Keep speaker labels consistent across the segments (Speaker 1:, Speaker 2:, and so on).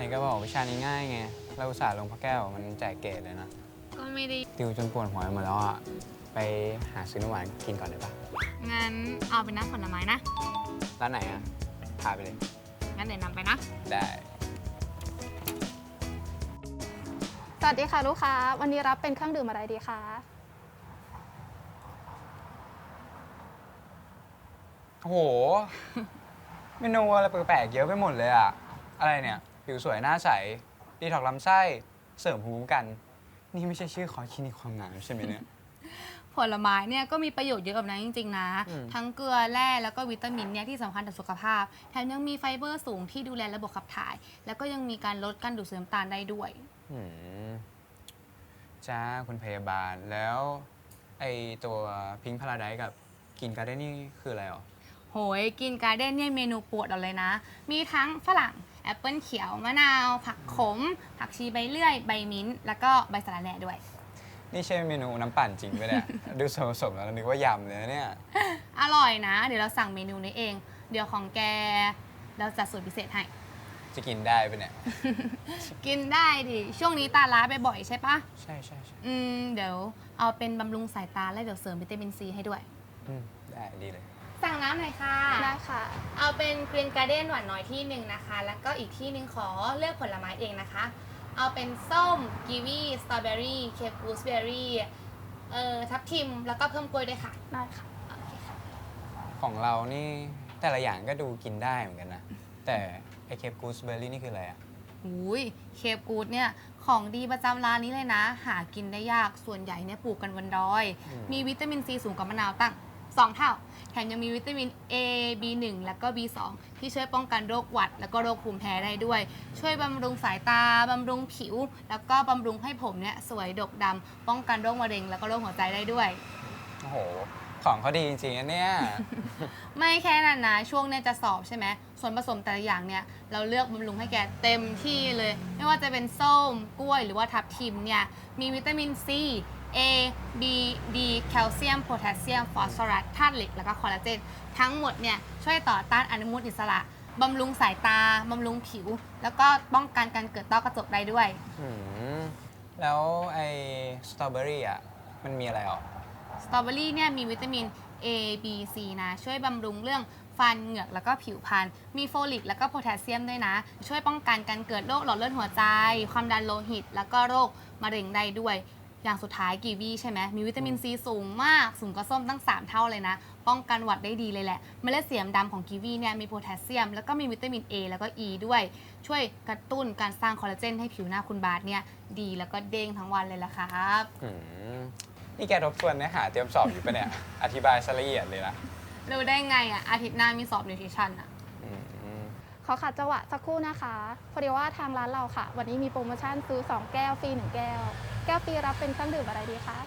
Speaker 1: ก็บอกวิชานี้ง่ายไงเราอุตส่าห์ลงพระแก้วมันแจกเกรดเลยนะ
Speaker 2: ก็ไม่ได้
Speaker 1: ติวจนปวดหัวหมดแล้วอ่ะไปหาซื้อน้ำหวานกินก่อนได้ปะ
Speaker 2: งั้นเอาเป็นน้ำผลไม้นะ
Speaker 1: ร้านไหนอ่ะพาไปเลย
Speaker 2: งั้นเดี๋ยวนำไปนะ
Speaker 1: ได้
Speaker 3: สวัสดีค่ะลูกค้า วันนี้รับเป็นเครื่องดื่มอะไรดีคะ
Speaker 1: โอ้โห เมนูอะไรแปลกๆเยอะไปหมดเลยอ่ะอะไรเนี่ยผิวสวยหน้าใสดีท็อกซ์ลำไส้เสริมภูมิคุ้มกัน นี่ไม่ใช่ชื่อคอร์สคลินิกความงามใช่ไหมเนี่ย
Speaker 2: ผลไม้เนี่ยก็มีประโยชน์เยอะแบบนั้นจริงๆนะ
Speaker 1: อืม
Speaker 2: ทั้งเกลือแร่แล้วก็วิตามินเนี่ยที่สำคัญต่อสุขภาพ แถมยังมีไฟเบอร์สูงที่ดูแลระบบขับถ่าย แล้วก็ยังมีการลดการดูดซึมน้ำตาลได้ด้วย
Speaker 1: อืมจ้าคุณพยาบาลแล้วไอตัวพิงค์พาราไดซ์กับกินการ์เด้นนี่คืออะไรอ่ะ
Speaker 2: โหยกินการ์เด้นเนี่ยเมนูโปรดเราเลยนะ มีทั้งฝรั่งแอปเปิลเขียวมะนาว ผักขม ผักชีใบเลื่อย ใบมิ้นท์แล้วก็ใบสะระแหน่ด้วย
Speaker 1: นี่ใช่เมนูน้ำปั่นจริงไหมเนี่ย ดูส่วนผสมแล้วนึกว่ายำเลยนะเนี่ย
Speaker 2: อร่อยนะ เดี๋ยวเราสั่งเมนูนี้เอง เดี๋ยวของแกเราจัดสูตรพิเศษให้
Speaker 1: จะกินได้ปะเนี่ย
Speaker 2: กินได้ดิ ช่วงนี้ตาล้าบ่อยๆใช่ปะ
Speaker 1: ใช่ใช่ใช่
Speaker 2: เดี๋ยวเอาเป็นบำรุงสายตาและเดี๋ยวเสริมวิตามินซีให้ด้วย
Speaker 1: ได้ดีเลย
Speaker 2: สั่งน้ำหน่อยค่ะ
Speaker 3: ได้ค่ะ
Speaker 2: เอาเป็นกรีนการ์เด้นหวานน้อยที่หนึ่งนะคะ แล้วก็อีกที่หนึ่งขอเลือกผลไม้เองนะคะ เอาเป็นส้ม กีวี สตรอเบอรี่ เคปกูสเบอรี่ ทับทิม แล้วก็เพิ่มกล้วยด้วยค่ะ
Speaker 3: ได้ค่ะ
Speaker 2: โอเคค่ะ
Speaker 1: ของเรานี่แต่ละอย่างก็ดูกินได้เหมือนกันนะ แต่ไอเคปกูสเบอร์รี่นี่คืออะไรอ่ะ
Speaker 2: อุ้ยเคปกูดเนี่ยของดีประจำร้านนี้เลยนะ หากินได้ยาก ส่วนใหญ่เนี่ยปลูกกันบนดอย
Speaker 1: อืม
Speaker 2: มีวิตามินซีสูงกว่ามะนาวตั้ง 2 เท่า แถมยังมีวิตามิน A B1 แล้วก็ B2 ที่ช่วยป้องกันโรคหวัด แล้วก็โรคภูมิแพ้ได้ด้วย ช่วยบำรุงสายตา บำรุงผิว แล้วก็บำรุงให้ผมเนี่ยสวยดกดำ ป้องกันโรคมะเร็ง แล้วก็โรคหัวใจได้ด้วย
Speaker 1: โอ้โห ของเขาดีจริงๆนะเนี่ย
Speaker 2: ไม่แค่นั้นนะ ช่วงเนี่ยจะสอบใช่ไหม ส่วนผสมแต่ละอย่างเนี่ย เราเลือกบำรุงให้แกเต็มที่เลย ไม่ว่าจะเป็นส้ม กล้วย หรือว่าทับทิมเนี่ย มีวิตามิน C A B D แคลเซียม โพแทสเซียม ฟอสฟอรัส ธาตุเหล็ก แล้วก็คอลลาเจน ทั้งหมดเนี่ยช่วยต่อต้านอนุมูลอิสระ บำรุงสายตา บำรุงผิว แล้วก็ป้องกันการเกิดต้อกระจกได้ด้วย
Speaker 1: อืมแล้วไอสตรอเบอรี่อ่ะ มันมีอะไรอ่ะ
Speaker 2: สตรอเบอรี่เนี่ยมีวิตามิน A B C นะ ช่วยบำรุงเรื่องฟันเหงือกแล้วก็ผิวพรรณมีโฟลิกแล้วก็โพแทสเซียมด้วยนะ ช่วยป้องกันการเกิดโรคหลอดเลือดหัวใจ ความดันโลหิต แล้วก็โรคมะเร็งได้ด้วย อย่างสุดท้ายกีวีใช่ไหมมีวิตามินซีสูงมาก สูงกว่าส้มตั้ง 3 เท่าเลยนะ ป้องกันหวัดได้ดีเลยแหละเมล็ดสีดำของกีวีเนี่ยมีโพแทสเซียม แล้วก็มีวิตามิน A แล้วก็ E ด้วย ช่วยกระตุ้นการสร้างคอลลาเจนให้ผิวหน้าคุณบาสเนี่ยดีแล้วก็เด้งทั้งวันเลยล่ะครับ
Speaker 1: อืมนี่แกทบทวนเนื้อหาเตรียมสอบอยู่ปะเนี่ย อธิบายซะละเอียดเลยนะ
Speaker 2: รู้ได้ไงอ่ะอาทิตย์หน้ามีสอบนิวทริชั่นอ่ะ
Speaker 1: อืม
Speaker 3: ขอขัดจังหวะสักครู่นะคะ พอดีว่าทางร้านเราค่ะ วันนี้มีโปรโมชั่นซื้อ 2 แก้วฟรี 1 แก้ว แก้วฟรีรับเป็นเครื่องดื่มอะไรดีคะ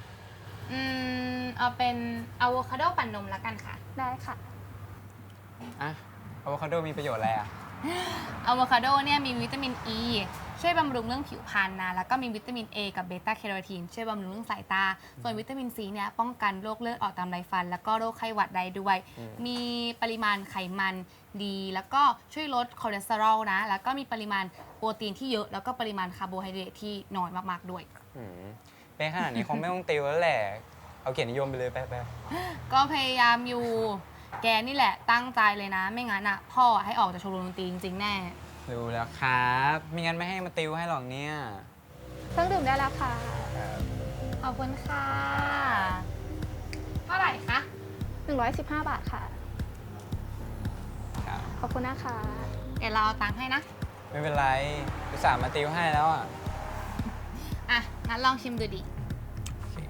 Speaker 2: เอาเป็นอะโวคาโดปั่นนมแล้วกันค่ะ
Speaker 3: ได้ค่ะ
Speaker 1: อ่ะอะโวคาโดมีประโยชน์อะไรอ่ะ
Speaker 2: อะโวคาโดเนี่ยมีวิตามิน E ช่วยบำรุงเรื่องผิวพรรณนะ แล้วก็มีวิตามิน A กับเบต้าแคโรทีนช่วยบำรุงเรื่องสายตา ส่วนวิตามิน C เนี่ยป้องกันโรคเลือดออกตามไรฟัน แล้วก็โรคไข้หวัดได้ด้วย
Speaker 1: อืม
Speaker 2: มีปริมาณไขมันดี แล้วก็ช่วยลดคอเลสเตอรอลนะ แล้วก็มีปริมาณโปรตีนที่เยอะ แล้วก็ปริมาณคาร์โบไฮเดรตที่น้อยมากๆด้วย
Speaker 1: อืมเป็นขนาดนี้คงไม่ต้องติวแล้วแหละ เอาเกียรตินิยมไปเลยไป
Speaker 2: ก็พยายามอยู่ แกนี่แหละตั้งใจเลยนะ ไม่งั้นอ่ะพ่อให้ออกจากชมรมดนตรีจริงๆแน่
Speaker 1: รู้แล้วครับไม่งั้นไม่ให้มาติวให้หรอกเนี่ย
Speaker 3: เครื่องดื่มได้แล้วค่ะ
Speaker 2: ขอบคุณค่ะ เท่าไหร่คะ
Speaker 3: 115 บาทค่ะ
Speaker 1: ครับ
Speaker 3: ขอบคุณนะคะ
Speaker 2: เดี๋ยวเราเอาตังค์ให้นะ
Speaker 1: ไม่เป็นไรอุตส่าห์มาติวให้แล้วอ่ะ
Speaker 2: อ่ะ งั้นลองชิมดูดิ
Speaker 1: โอเค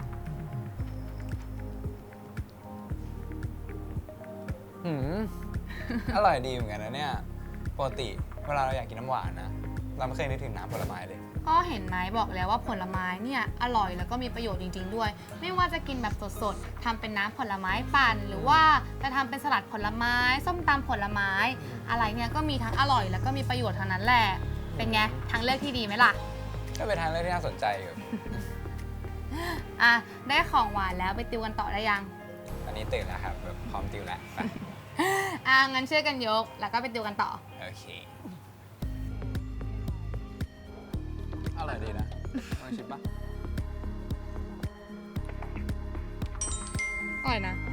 Speaker 1: หืม อร่อยดีเหมือนกันนะเนี่ย ปกติเวลาเราอยากกินน้ำหวานนะ เราไม่เคยนึกถึงน้ำผลไม้เลย
Speaker 2: ก็เห็นไหมบอกแล้วว่าผลไม้เนี่ยอร่อยแล้วก็มีประโยชน์จริงๆด้วย ไม่ว่าจะกินแบบสดๆทำเป็นน้ำผลไม้ปั่น หรือว่าจะทำเป็นสลัดผลไม้ ส้มตำผลไม้ อะไรเนี่ยก็มีทั้งอร่อยแล้วก็มีประโยชน์ทั้งนั้นแหละ เป็นไงทางเลือกที่ดีไหมล่ะ
Speaker 1: ก็เป็นทางเลือกที่น่าสนใจอยู่
Speaker 2: อ่ะ ได้ของหวานแล้วไปติวกันต่อได้ยัง
Speaker 1: ตอนนี้ตื่นแล้วครับแบบพร้อมติวแล้วไป
Speaker 2: อ่ะ งั้นช่วยกันยกแล้วก็ไปติวกันต่อ
Speaker 1: โอเคชิมปะ
Speaker 2: อร่อยนะ